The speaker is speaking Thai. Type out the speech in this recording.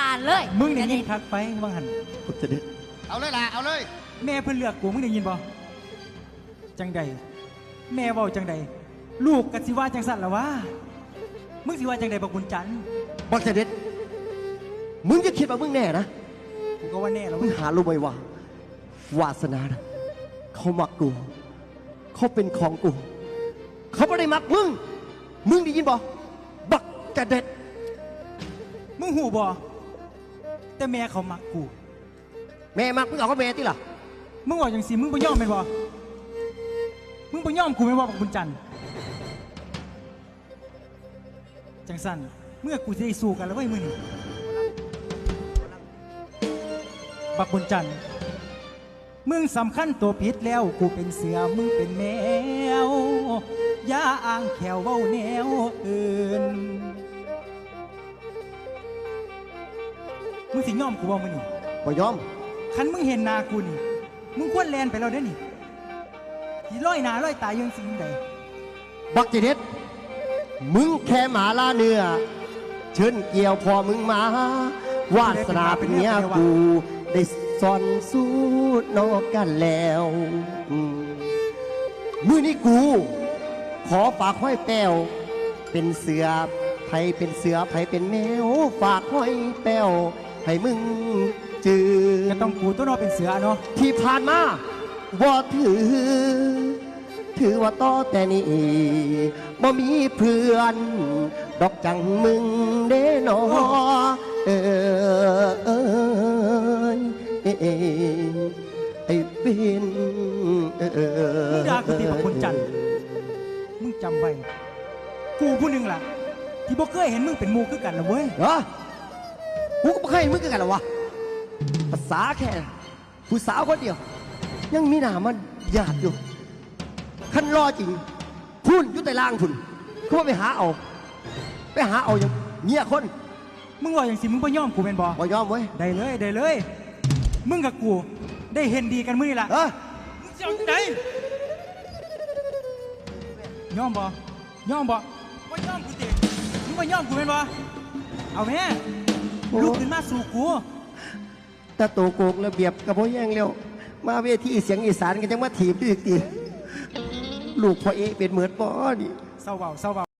การเลยมึงได้ยินคักไปว่างหันผมจะได้เอาเลยล่ะเอาเลยแม่เพิ่นเลือกกูมึงได้ยินบ่จังใดแม่เว้าจังใดลูกกะสิว่าจังสั่นล่ะวะมึงสิว่าจังใดบักบุญจันทร์บอลเสด็จมึงจะคิดว่ามึงแน่นะกูก็ว่าแน่แล้วมึงหารู้ไหมว่า วาสนานะเขามักกูเขาเป็นของกูเขาไม่ได้มักมึงมึงได้ยินบ่บักเสด็จมึงหูบ่แต่แม่เขามักกูแม่มักมึงเอาก็แม่ที่ล่ะมึงว่าจังสิมึงบ่ยอมแม่นบ่มึงบ่ยอมกูแม่นบ่บักบุญจันทร์จังสั่นเมื่อกูสิได้สู้กันแล้วเว้ยมึงนี่บักบุญจันทร์มึงสำคัญตัวผิดแล้วกูเป็นเสือมึงเป็นแมวอย่าอ้างแขวเว้าแนวอื่นมึงสิยอมกูบ่มึงนี่บ่ยอมคันมึงเห็นหนากูนี่มึงควรแลนไปแล้วเด้อนี่ที่ร้อยหนาร้อยตายยังสิ่งใดบักเสด็จมึงแค่หมาล่าเนื้อเชิญเกี่ยวพอมึงมาวาสนาเป็นเมียกูได้สอนสู้นอกกันแล้วมือนี้กู ขอฝากห้อยแป้วเป็นเสือไผเป็นเสือไผเป็นแมวฝากห้อยแป้วให้มึงจือก็ต้องกูตัวนอเป็นเสือเนาะที่ผ่านมาว่าถือว่าต่อแต่นี้บ่มีเพื่อนดอกจังมึงเด้นอไอ้เป็นมึงด่ากูตีบักบุญจันทร์มึงจำไว้กูผู้หนึ่งล่ะที่บ่เคยเห็นมึงเป็นหมูคือกันละเว้ยเหรอกูก็ไม่เคยเห็นมึงกันหรอวะภาษาแค่ผู้สาวคนเดียว ยังมีหน้ามันหยาดอยู่ขั้นรอจริงพุ่นยุติล่างพุ่นเขาว่าไปหาเอาอย่างเงี้ยคนมึงว่าอย่างสิมึงบ่ยอมกูเป็นบ่บ่ยอมเว้ยได้เลยได้เลยมึงกับกูได้เห็นดีกันมื้อนี่ล่ะเออมึงจะเอาไหนยอมบ่ยอมบ่บ่ยอมกูติมึงบ่ยอมกูเป็นบ่เอาแม่ลุกขึ้นมาสู่กูแต่โตโกกระเบียบกับพ่อแย่งเร็วมาเวทีเสียงอีสานกันจังมาถีบด้วยตีลูกพ่อเอเป็นเหมือนบ่นี่เศร้าเบาเศร้าเบา